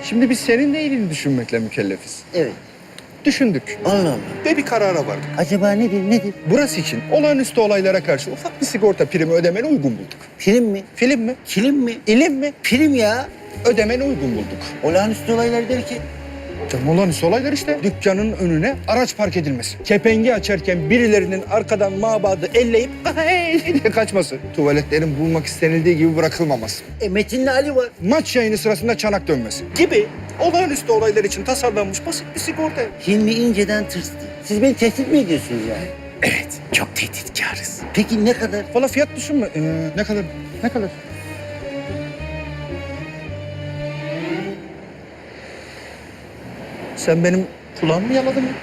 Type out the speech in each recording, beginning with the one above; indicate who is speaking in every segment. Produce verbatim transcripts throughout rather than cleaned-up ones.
Speaker 1: Şimdi biz senin de iyiliğini düşünmekle mükellefiz.
Speaker 2: Evet.
Speaker 1: Düşündük
Speaker 2: Allah Allah.
Speaker 1: ve bir karara vardık.
Speaker 2: Acaba nedir, nedir?
Speaker 1: Burası için olağanüstü olaylara karşı ufak bir sigorta primi ödemeni uygun bulduk.
Speaker 2: Film mi?
Speaker 1: Film mi?
Speaker 2: Kilim mi?
Speaker 1: İlim mi?
Speaker 2: Film ya.
Speaker 1: Ödemeni uygun bulduk.
Speaker 2: Olağanüstü olaylar derken.
Speaker 1: Canım olağanüstü olaylar işte. Dükkanın önüne araç park edilmesi. Kepengi açarken birilerinin arkadan mabadı elleyip "Hey!" diye kaçması. Tuvaletlerin bulunmak istenildiği gibi bırakılmaması.
Speaker 2: E Metin'le Ali var.
Speaker 1: Maç yayını sırasında çanak dönmesi gibi olağanüstü olaylar için tasarlanmış basit bir sigorta.
Speaker 2: Hilmi inceden tırstı. Siz beni tehdit mi ediyorsunuz yani?
Speaker 3: Evet, çok tehditkarız.
Speaker 2: Peki ne kadar?
Speaker 1: Valla fiyat düşünme. Ee, ne kadar? Ne kadar? Sen benim kulağımı mı yaladın mı?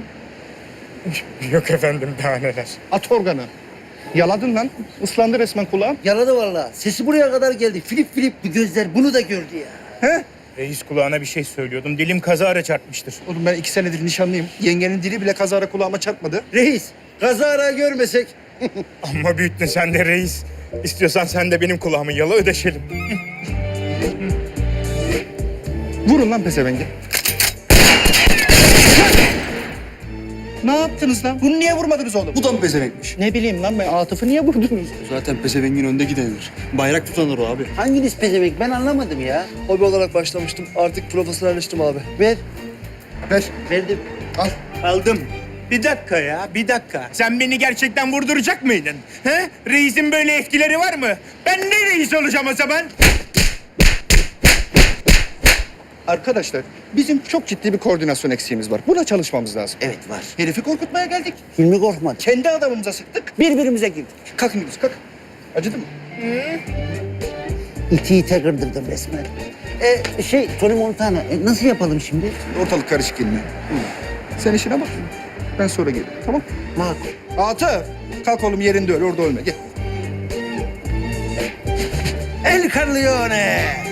Speaker 3: Yok efendim, daha neler.
Speaker 1: At organı. Yaladın lan. Islandı resmen kulağım.
Speaker 2: Yaladı vallahi. Sesi buraya kadar geldi. Filip filip bir gözler bunu da gördü ya.
Speaker 1: He?
Speaker 3: Reis kulağına bir şey söylüyordum. Dilim kazara çarpmıştır.
Speaker 1: Oğlum ben iki senedir nişanlıyım. Yengenin dili bile kazara kulağıma çarpmadı.
Speaker 2: Reis, kazara görmesek.
Speaker 3: Amma büyüttün sen de reis. İstiyorsan sen de benim kulağımı yala, ödeşelim.
Speaker 1: Vurun lan pezevenge. Ne yaptınız lan? Bunu niye vurmadınız oğlum?
Speaker 4: Bu da mı pezevenkmiş?
Speaker 1: Ne bileyim lan ben Atıf'ı niye vurdunuz?
Speaker 4: Zaten pezevengin önde gidenidir. Bayrak tutanır o abi.
Speaker 2: Hanginiz pezevenk ben anlamadım ya.
Speaker 4: Hobi olarak başlamıştım. Artık profesyonelleştim abi.
Speaker 2: Ver.
Speaker 1: Ver.
Speaker 2: Verdim.
Speaker 1: Al.
Speaker 3: Aldım. Bir dakika ya, bir dakika. Sen beni gerçekten vurduracak mıydın? He? Reisin böyle etkileri var mı? Ben ne reis olacağım o zaman?
Speaker 1: Arkadaşlar bizim çok ciddi bir koordinasyon eksiğimiz var. Buna çalışmamız lazım.
Speaker 2: Evet var.
Speaker 1: Herifi korkutmaya geldik.
Speaker 2: Hilmi korkmadı.
Speaker 1: Kendi adamımıza sıktık.
Speaker 2: Birbirimize girdik.
Speaker 1: Kalkın gidiyoruz kalk. Acıdı mı?
Speaker 2: İti ite kırdırdım resmen. E şey Tony Montana e, nasıl yapalım şimdi?
Speaker 1: Ortalık karışık yine. Sen işine bak. Ben sonra gelirim tamam?
Speaker 2: Makul.
Speaker 1: Atıf. Kalk oğlum yerinde öl orada ölme gel.
Speaker 2: El Corleone.